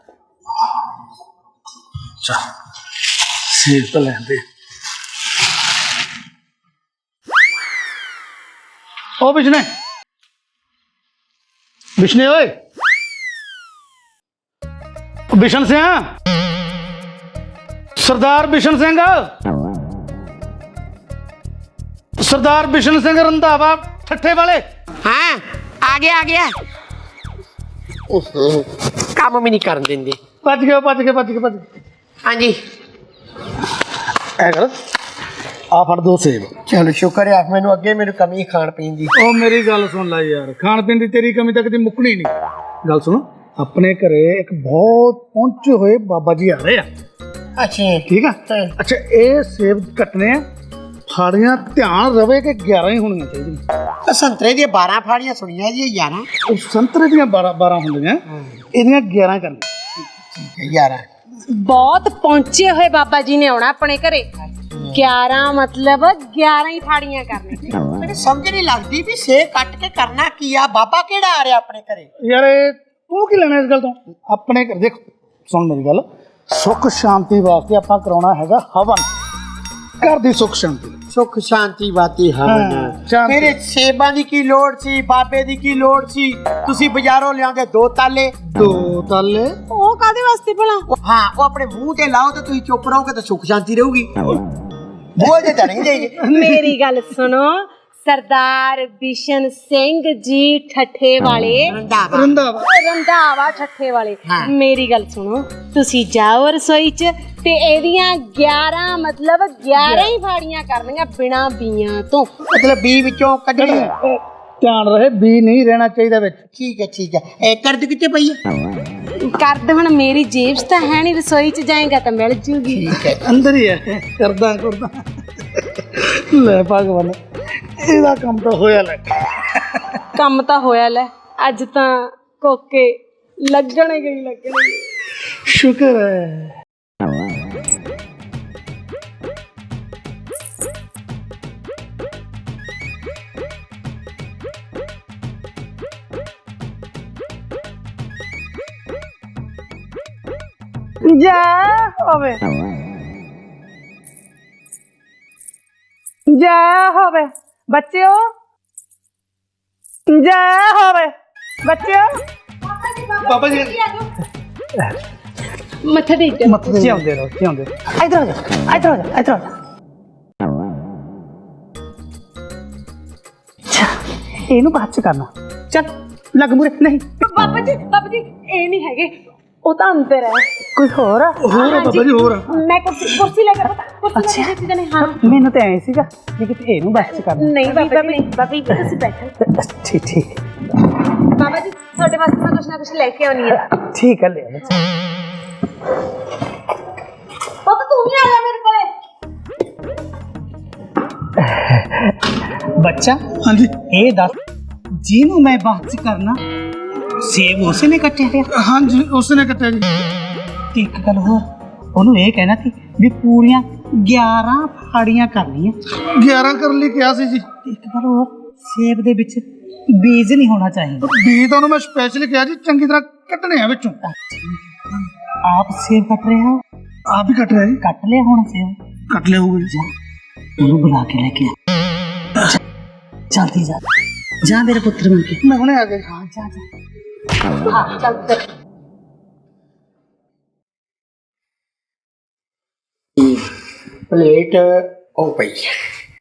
ਸੇਬ ਤਾਂ ਲੈਂਦੇ। ਉਹ ਬਿਸ਼ਨੇ ਓਏ, ਬਿਸ਼ਨ ਸਿੰਘ, ਸਰਦਾਰ ਬਿਸ਼ਨ ਸਿੰਘ, ਸਰਦਾਰ ਬਿਸ਼ਨ ਸਿੰਘ ਰੰਧਾਵਾ ਠੱਠੇ ਵਾਲੇ। ਹਾਂ ਆ ਗਿਆ। ਕੰਮ ਵੀ ਨਹੀਂ ਕਰਨ ਦਿੰਦੇ। ਭੱਜ ਗਏ। ਹਾਂਜੀ ਐ ਕਰ, ਆ ਫੜ ਦੋ ਸੇਬ। ਚਲੋ ਸ਼ੁਕਰ ਹੈ, ਮੈਨੂੰ ਅੱਗੇ ਮੈਨੂੰ ਕਮੀ ਖਾਣ ਪੀਣ ਦੀ। ਉਹ ਮੇਰੀ ਗੱਲ ਸੁਣ ਲੈ ਯਾਰ, ਖਾਣ ਪੀਣ ਦੀ ਤੇਰੀ ਕਮੀ ਤਾਂ ਕਦੀ ਮੁੱਕਣੀ ਨਹੀਂ। ਗੱਲ ਸੁਣ, ਆਪਣੇ ਘਰੇ ਇੱਕ ਬਹੁਤ ਪਹੁੰਚੇ ਹੋਏ ਬਾਬਾ ਜੀ ਆ ਰਹੇ ਆ। ਅੱਛਾ ਠੀਕ ਆ। ਅੱਛਾ ਇਹ ਸੇਬ ਕੱਟਣੇ ਆ, ਫਾੜੀਆਂ ਧਿਆਨ ਰਵੇ ਕਿ 11 ਹੀ ਹੋਣੀਆਂ ਚਾਹੀਦੀਆਂ। ਸੰਤਰੇ ਦੀਆਂ 12 ਫਾੜੀਆਂ ਸੁਣੀਆਂ ਜੀ, 11। ਉਹ ਸੰਤਰੇ ਦੀਆਂ 12 ਹੁੰਦੀਆਂ, ਇਹਦੀਆਂ 11 ਕਰਨੀਆਂ। 11 ਬਹੁਤ ਪਹੁੰਚੇ ਹੋਏ ਬਾਬਾ ਜੀ ਨੇ ਆਉਣਾ ਆਪਣੇ ਘਰੇ। 11 ਮਤਲਬ 11 ਹੀ ਫਾੜੀਆਂ ਕਰਨੀਆਂ। ਮੈਨੂੰ ਸਮਝ ਨਹੀਂ ਲੱਗਦੀ ਵੀ ਸੇ ਕੱਟ ਕੇ ਕਰਨਾ ਕੀ ਆ। ਬਾਬਾ ਕਿਹੜਾ ਆ ਰਿਹਾ ਆਪਣੇ ਘਰੇ? ਯਾਰ ਇਹ ਤੂੰ ਕੀ ਲੈਣਾ ਇਸ ਗੱਲ ਤੋਂ? ਆਪਣੇ ਘਰ ਦੇਖ, ਸੁਣ ਮੇਰੀ ਗੱਲ, ਸੁੱਖ ਸ਼ਾਂਤੀ ਵਾਸਤੇ ਆਪਾਂ ਕਰਾਉਣਾ ਹੈਗਾ ਹਵਨ। ਘਰ ਦੀ ਸੁੱਖ ਸ਼ਾਂਤੀ। ਸੁੱਖ ਸ਼ਾਂਤੀ ਬਾਤੀ ਹਵਨ। ਸ਼ਾਂਤੀ। ਮੇਰੇ ਸੇਬਾਂ ਦੀ ਕੀ ਲੋੜ ਸੀ, ਬਾਬੇ ਦੀ ਕੀ ਲੋੜ ਸੀ? ਤੁਸੀਂ ਬਾਜ਼ਾਰੋਂ ਲਿਆਉਂਦੇ 2 ਤਾਲੇ। 2 ਤਾਲੇ? ਉਹ ਕਾਦੇ ਵਾਸਤੇ ਭਲਾ? ਹਾਂ, ਉਹ ਆਪਣੇ ਮੂੰਹ ਤੇ ਲਾਓ ਤੇ ਤੁਸੀਂ ਚੁੱਪ ਰਹੋਗੇ ਤਾਂ ਸੁੱਖ ਸ਼ਾਂਤੀ ਰਹੂਗੀ। ਬੋਲਦੇ ਤਾਂ ਨਹੀਂ ਜਾਈਏ। ਮੇਰੀ ਗੱਲ ਸੁਣੋ, ਸਰਦਾਰ ਬਿਸ਼ਨ ਸਿੰਘ ਜੀ ਠੱਠੇ ਵਾਲੇ, ਰੰਧਾਵਾ ਠੱਠੇ ਵਾਲੇ, ਮੇਰੀ ਗੱਲ ਸੁਣੋ, ਤੁਸੀਂ ਜਾਓ ਰਸੋਈ 'ਚ ਤੇ ਇਹਦੀਆਂ 11 ਮਤਲਬ 11 ਹੀ ਫਾੜੀਆਂ ਕਰਨੀਆਂ ਬਿਨਾ ਬੀਆਂ ਤੋਂ। ਮਤਲਬ ਬੀ ਵਿੱਚੋਂ ਕੱਢਣੀ। ਧਿਆਨ ਰਹੇ, ਬੀ ਨਹੀਂ ਰਹਿਣਾ ਚਾਹੀਦਾ ਵਿੱਚ। ਠੀਕ ਹੈ ਠੀਕ ਹੈ। ਇਹ ਕਰਦ ਕਿੱਥੇ ਪਈ ਹੈ? ਕਰਦ ਹੁਣ ਮੇਰੀ ਜੇਬ 'ਚ ਤਾਂ ਹੈ ਨਹੀਂ, ਰਸੋਈ 'ਚ ਜਾਏਗਾ ਤਾਂ ਮਿਲ ਜੂਗੀ। ਅੰਦਰ ਹੀ ਹੈ। ਕਰਦਾ ਲੈ ਭਗਵਾਨ, ਇਹਦਾ ਕੰਮ ਤਾਂ ਹੋਇਆ ਲੈ। ਕੰਮ ਤਾਂ ਹੋਇਆ ਲੈ, ਅੱਜ ਤਾਂ ਕੋਕੇ ਲੱਗਣਗੇ। ਸ਼ੁਕਰ ਹੈ। ਜੈ ਹੋਵੇ, ਜੈ ਹੋਵੇ ਬੱਚਿਓ, ਜੈ ਹੋਵੇ ਬੱਚਿਓ। ਬਾਬਾ ਜੀ ਮੱਥਾ ਟੇਕ ਮੱਥੇ ਜਿਉਂਦੇ ਰਹੋ, ਜਿਉਂਦੇ ਰਹੋ। ਇੱਧਰ ਆ ਜਾ, ਇੱਧਰ ਆ ਜਾ, ਇੱਧਰ ਆ ਜਾ। ਇਹਨੂੰ ਬਾਅਦ ਚ ਕਰਨਾ। ਚੱਲ ਲੱਗ ਮੂਰੇ। ਨਹੀਂ ਬਾਬਾ ਜੀ ਇਹ ਨਹੀਂ ਹੈਗੇ, ਉਹ ਤਾਂ ਅੰਦਰ ਹੈ। ਕੋਈ ਹੋਰ ਆ? ਹੋਰ ਆ ਬਾਬਾ ਜੀ, ਹੋਰ ਆ। ਮੈਂ ਕੁਰਸੀ ਲੈ ਕੇ ਕੁਰਸੀ ਲੈ ਕੇ ਜਾਣੇ। ਹਾਂ, ਮੈਨੂੰ ਤਾਂ ਐ ਸੀਗਾ ਕਿ ਇਹਨੂੰ ਬਾਅਦ ਚ ਕਰਨਾ। ਨਹੀਂ ਬਾਬਾ ਜੀ ਤੁਸੀਂ ਬੈਠੋ। ਠੀਕ ਠੀਕ ਬਾਬਾ ਜੀ ਤੁਹਾਡੇ ਵਾਸਤੇ ਮੈਂ ਕੁਛ ਨਾ ਕੁਛ ਲੈ ਕੇ ਆਉਣੀ ਹੈ। ਠੀਕ ਹੈ, ਲੈ ਆ। ਬਾਬਾ ਤੂੰ ਵੀ ਆ ਜਾ ਮੇਰੇ ਕੋਲੇ। ਬੱਚਾ, ਹਾਂਜੀ ਇਹ ਦੱਸ, ਜਿਹਨੂੰ ਮੈਂ ਬਾਅਦ ਚ ਕਰਨਾ, ਸੇਬ ਉਸਨੇ ਕੱਟਿਆ ਹੈ? ਹਾਂਜੀ ਉਸਨੇ ਕੱਟਿਆ ਜੀ। ਤੇ ਇੱਕ ਗੱਲ ਹੋਰ, ਉਹਨੂੰ ਇਹ ਕਹਿਣਾ ਸੀ ਵੀ ਪੂਰੀਆਂ 11 ਫਾੜੀਆਂ ਕਰਨੀਆਂ। 11 ਕਰਨ ਲਈ ਕਿਹਾ ਸੀ ਜੀ। ਇੱਕ ਗੱਲ ਹੋਰ, ਸੇਬ ਦੇ ਵਿੱਚ ਬੀਜ ਨਹੀਂ ਹੋਣਾ ਚਾਹੀਦਾ। ਬੀਜ ਤਾਂ ਉਹਨੂੰ ਮੈਂ ਸਪੈਸ਼ਲ ਕਿਹਾ ਜੀ, ਚੰਗੀ ਤਰ੍ਹਾਂ ਕੱਟਣੇ ਆ ਵਿੱਚੋਂ। ਆਪ ਸੇਬ ਕੱਟ ਰਹੇ ਹੋ? ਆਪ ਹੀ ਕੱਟ ਰਿਹਾ ਜੀ। ਕੱਟ ਲਿਆ ਹੁਣ ਸੇਬ? ਕੱਟ ਲਿਆ ਹੋਊਗਾ ਜੀ। ਉਹਨੂੰ ਬੁਲਾ ਕੇ ਲੈ ਕੇ ਆ। ਜਲਦੀ ਜਾ, ਜਾ ਮੇਰੇ ਪੁੱਤਰ ਬਣ ਕੇ। ਮੈਂ ਹੁਣੇ ਆ ਗਿਆ। ਹਾਂ ਜਾ ਜਾ। ਹਾਂ ਚੱਲ ਫਿਰ। ਪਲੇਟ ਉਹ ਪਈ ਹੈ।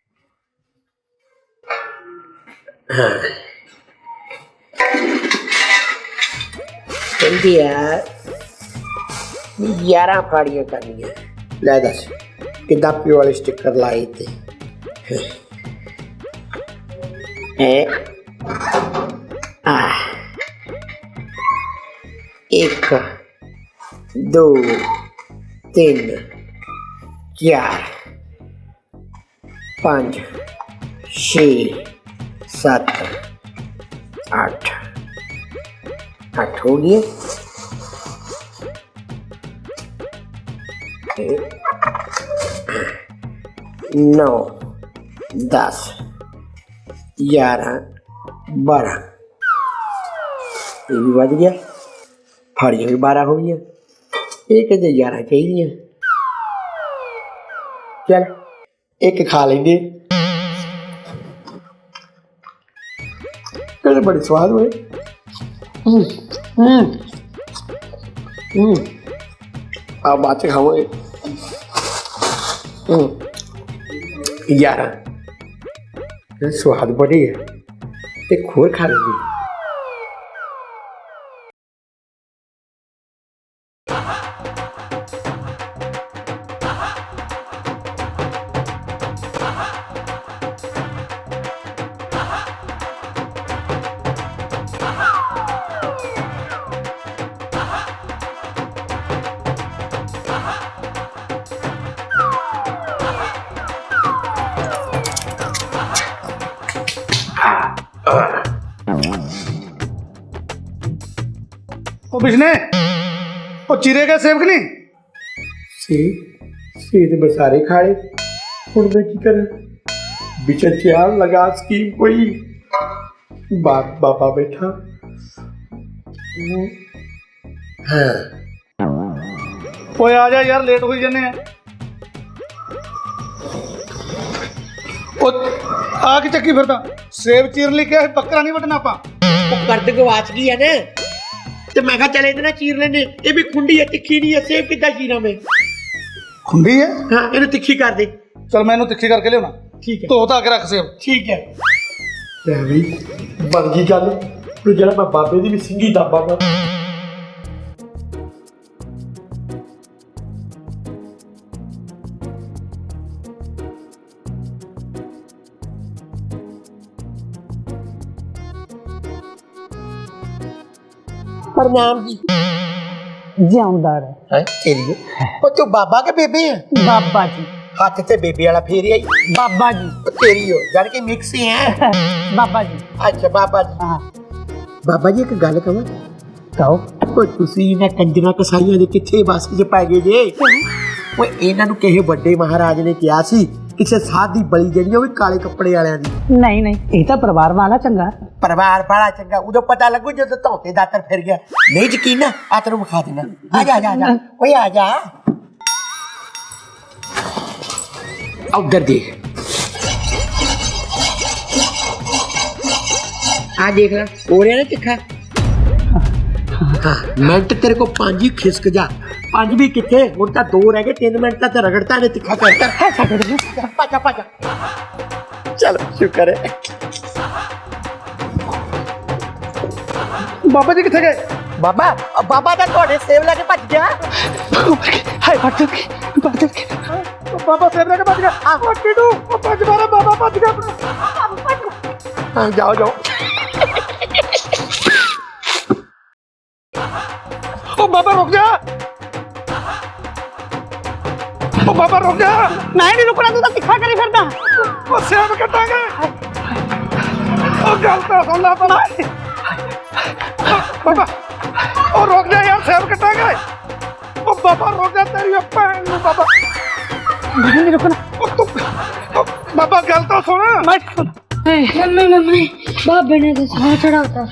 ਹਾਂ, ਕਹਿੰਦੀ ਆ 11 ਫਾੜੀਆਂ ਕਰਨੀਆਂ। ਲੈ ਦੱਸ ਕਿੱਦਾਂ ਪਿਓ ਵਾਲੇ ਸਟicker ਲਾਏ ਤੇ ਆ 1 2 3 4 5 6 7 8 8 हो गए। 9 10 11 12 ये भी बज गया। फाड़ियाँ भी 12 हो गई। ये कहते 11 चाहिए। चल एक खा लेंगे। कहते बड़ी स्वाद हुए। आप बात से खाओगे 11 स्वाद बड़ी है। एक खोर खा लेंगे। ਉਹ ਬਿਸ਼ਨੇ, ਉਹ ਚੀਰੇ ਗਏ ਸੇਬ ਕਿ ਨਹੀਂ? सेब मैं सारे खाए। हुण मैं की करा? विचार लगा स्कीम कोई। बाबा बैठा। हाँ ਓਏ ਆ ਜਾ ਯਾਰ, ਲੇਟ ਹੋਈ ਜੰਨੇ ਆ। ਉਹ ਆ ਕੇ ਚੱਕੀ ਫਿਰਦਾ ਸੇਬ ਚੀਰਨ ਲਈ ਕਿਹਾ ਸੀ, ਬੱਕਰਾ ਨਹੀਂ ਵੱਢਣਾ ਆਪਾਂ। ਉਹ ਕਰਦ ਗਵਾਚ ਗਈ ਆ ਨਾ, ਤੇ ਮੈਂ ਕਿਹਾ ਚੱਲ ਇਹਦੇ ਨਾਲ ਚੀਰ ਲੈਨੇ। ਇਹ ਵੀ ਖੁੰਡੀ ਆ, ਤਿੱਖੀ ਨਹੀਂ ਆ। ਸੇਬ ਕਿੱਦਾਂ ਚੀਰਾਂ ਮੈਂ? ਖੁੰਡੀ ਹੈ। ਹਾਂ, ਇਹਨੂੰ ਤਿੱਖੀ ਕਰ ਦੇ। ਚਲ ਮੈਂ ਇਹਨੂੰ ਤਿੱਖੀ ਕਰਕੇ ਲਿਆਉਣਾ। ਠੀਕ ਹੈ, ਧੋ ਧਾ ਕੇ ਰੱਖ ਸੇਬ। ਠੀਕ ਹੈ। ਲੈ ਵੀ ਬਣ ਗਈ ਗੱਲ। ਤੂੰ ਜਿਹੜਾ ਮੈਂ ਬਾਬੇ ਦੀ ਵੀ ਸਿੰਘੀ ਦਾਬਾਂਗਾ। प्रणाम जी। ਜਿਉਂਦਾ ਰਹਿ है तेरी ओ तू बाबा के बेबे है? ਬਾਬਾ ਜੀ हाथ से बेबे वाला फेर आई। ਬਾਬਾ ਜੀ ओ तेरी हो जान के मिक्स ही है। ਬਾਬਾ ਜੀ अच्छा बाबा जी। ਹਾਂ बाबा जी एक गल कहां? ਕਹੋ ओ तुसी ना कंजरा कसाईयां दे किथे बस च पै गए जे? ओ इन्हां नु किसे ਵੱਡੇ ਮਹਾਰਾਜ ਨੇ ਕਿਹਾ ਸੀ ਕਿਸੇ ਸਾਧ ਦੀ ਬਲੀ ਜਿਹੜੀ ਉਹ ਵੀ ਕਾਲੇ ਕੱਪੜੇ ਵਾਲਿਆਂ ਦੀ। ਨਹੀਂ ਨਹੀਂ ਇਹ ਤਾਂ ਪਰਿਵਾਰ ਵਾਲਾ ਚੰਗਾ ਪਰਿਵਾਰ ਬੜਾ ਚੰਗਾ। ਉਦੋਂ ਪਤਾ ਲੱਗੂ ਜਦੋਂ ਧੌਤੇ ਦਾਤਰ ਫਿਰ ਗਿਆ। ਨਹੀਂ ਯਕੀਨ ਨਾ ਆ ਤੈਨੂੰ ਵਿਖਾ ਦੇਣਾ। ਆ ਜਾ ਆ ਜਾ ਓਏ ਆ ਜਾ। ਉਧਰ ਦੇਖ, ਆ ਦੇਖ ਲੈ ਹੋ ਰਿਹਾ ਨਾ ਤਿੱਖਾ। ਹਾਂ ਮਿੰਟ ਤੇਰੇ ਕੋ 5 ਹੀ ਖਿਸਕ ਜਾ। 5 ਵੀ ਕਿੱਥੇ, ਹੁਣ ਤਾਂ 2 ਰਹਿ ਗਏ। 3 ਮਿੰਟ ਤਾਂ ਰਗੜਤਾ ਨੇ ਤਿੱਖਾ ਕਰਤਾ। ਪਾਜਾ ਪਾਜਾ ਚਲ ਸ਼ੁਕਰ ਹੈ। ਬਾਬਾ ਜੀ ਕਿੱਥੇ ਗਏ? ਬਾਬਾ ਬਾਬਾ ਤਾਂ ਤੁਹਾਡੇ ਸੇਵ ਲੈ ਕੇ ਭੱਜ ਗਿਆ। ਹਾਏ ਫੜ ਕੇ ਬਾਬਾ ਸੇਬ ਲੈ ਕੇ ਭੱਜ ਗਿਆ। ਉਹ ਕਿਡੂ ਉਹ ਭੱਜ ਮਾਰਾ। ਬਾਬਾ ਭੱਜ ਗਿਆ ਆਪਣਾ। ਹਾਂ ਜਾਓ ਜਾਓ। ਉਹ ਬਾਬਾ ਰੁਕ ਜਾ। ਉਹ ਬਾਬਾ ਰੁਕ ਜਾ। ਮੈਂ ਨਹੀਂ ਰੁਕਣਾ, ਤੂੰ ਤਾਂ ਤਿੱਖਾ ਕਰੀ ਫਿਰਦਾ। ਉਹ ਸੇਬ ਕੱਟਾਂਗੇ। ਉਹ ਗੱਲ ਤਾਂ ਸੁਣ ਲੈ ਪਹਿਲਾਂ। ਬਾਬਾ ਉਹ ਰੁਕ ਜਾ ਯਾਰ, ਸੇਬ ਕੱਟਾਂਗੇ। ਉਹ ਬਾਬਾ ਰੁਕ ਜਾ, ਤੇਰੀ ਭੈਣ ਨੂੰ। ਬਾਬਾ ਮੈਂ ਨਹੀਂ ਰੁਕਣਾ। ਉਹ ਬਾਬਾ ਗੱਲ ਤਾਂ ਸੁਣ। मम्मी बाबे ने तो साह चढ़ाता।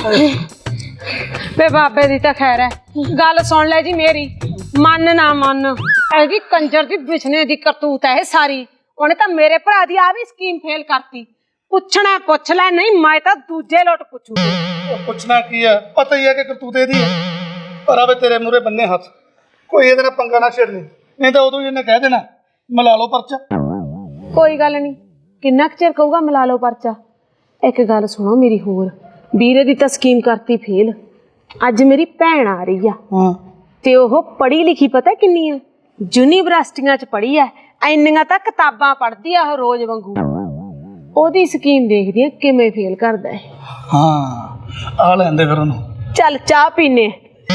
ਵੇ ਬਾਬੇ ਦੀ ਤਾਂ ਖੈਰ ਹੈ। ਗੱਲ ਸੁਣ ਲੈ ਜੀ ਮੇਰੀ, ਮੰਨ ਨਾ ਮੰਨ, ਇਹਦੀ ਕੰਜਰ ਦੀ ਬਿਛਨੇ ਦੀ ਕਰਤੂਤ ਹੈ ਇਹ ਸਾਰੀ। ਉਹਨੇ ਤਾਂ ਮੇਰੇ ਭਰਾ ਦੀ ਆ ਵੀ ਸਕੀਮ ਫੇਲ ਕਰਤੀ। ਪੁੱਛਣਾ ਪੁੱਛ ਲੈ, ਨਹੀਂ ਮੈਂ ਤਾਂ ਦੂਜੇ ਲੋਟ ਪੁੱਛੂਗੀ। ਉਹ ਪੁੱਛਣਾ ਕੀ ਹੈ, ਪਤਾ ਹੀ ਹੈ ਕਿ ਕਰਤੂਤੇ ਦੀ ਹੈ। ਪਰ ਆਵੇ ਤੇਰੇ ਮੂਹਰੇ ਬੰਨੇ ਹੱਥ, ਕੋਈ ਇਹਦੇ ਨਾਲ ਪੰਗਾ ਨਾ ਛੇੜ ਲਈ, ਨਹੀਂ ਤਾਂ ਉਦੋਂ ਹੀ ਇਹਨੇ ਕਹਿ ਦੇਣਾ ਮਿਲਾ ਲਓ ਪਰਚਾ। ਕੋਈ ਗੱਲ ਨਹੀਂ, ਕਿੰਨਾ ਕੁ ਚਿਰ ਕਹੂਗਾ ਮਿਲਾ ਲਓ ਪਰਚਾ। ਇੱਕ ਗੱਲ ਸੁਣੋ ਮੇਰੀ ਹੋਰ, ਵੀਰੇ ਦੀ ਤਾਂ ਸਕੀਮ ਕਰਤੀ ਫੇਲ। ਅੱਜ ਮੇਰੀ ਭੈਣ ਆ ਰਹੀ ਆ ਹਾਂ ਤੇ ਉਹ ਪੜ੍ਹੀ ਲਿਖੀ ਪਤਾ ਕਿੰਨੀ ਆ, ਯੂਨੀਵਰਸਿਟੀਆਂ 'ਚ ਪੜ੍ਹੀ ਆ, ਇੰਨੀਆਂ ਤਾਂ ਕਿਤਾਬਾਂ ਪੜ੍ਹਦੀ ਆ ਉਹ ਰੋਜ਼ ਵਾਂਗੂ। ਉਹਦੀ ਸਕੀਮ ਦੇਖਦੀ ਆ ਕਿਵੇਂ ਫੇਲ ਕਰਦਾ ਹੈ। ਹਾਂ ਆ ਲੈਂਦੇ ਫਿਰ ਉਹਨੂੰ। ਚੱਲ ਚਾਹ ਪੀਨੇ।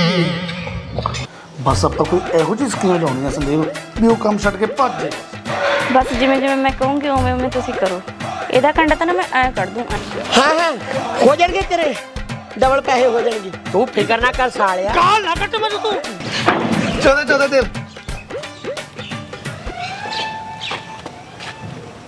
ਬਸ ਆਪਾਂ ਕੋਈ ਇਹੋ ਜਿਹੀ ਸਕੀਮ ਲਾਉਣੀ ਆ ਸੰਦੀਪ ਵੀ ਉਹ ਕੰਮ ਛੱਡ ਕੇ ਭੱਜ ਜਾਏ। ਬਸ ਜਿਵੇਂ ਜਿਵੇਂ ਮੈਂ ਕਹੂੰਗੀ ਉਵੇਂ ਉਵੇਂ ਤੁਸੀਂ ਕਰੋ। ਇਹਦਾ ਕੰਡਾ ਤਾਂ ਨਾ ਮੈਂ ਐ ਕੱਢ ਦੂੰ। ਹਾਂ ਹਾਂ ਹੋ ਜਾਣਗੇ ਤੇਰੇ ਡਬਲ ਪੈਸੇ ਹੋ ਜਾਣਗੇ। ਤੂੰ ਫਿਕਰ ਨਾ ਕਰ ਸਾਲਿਆ। ਕਾਲ ਨਾ ਕੱਟ ਮੈਨੂੰ ਤੂੰ। ਚਲੇ ਚਲੇ ਦੇ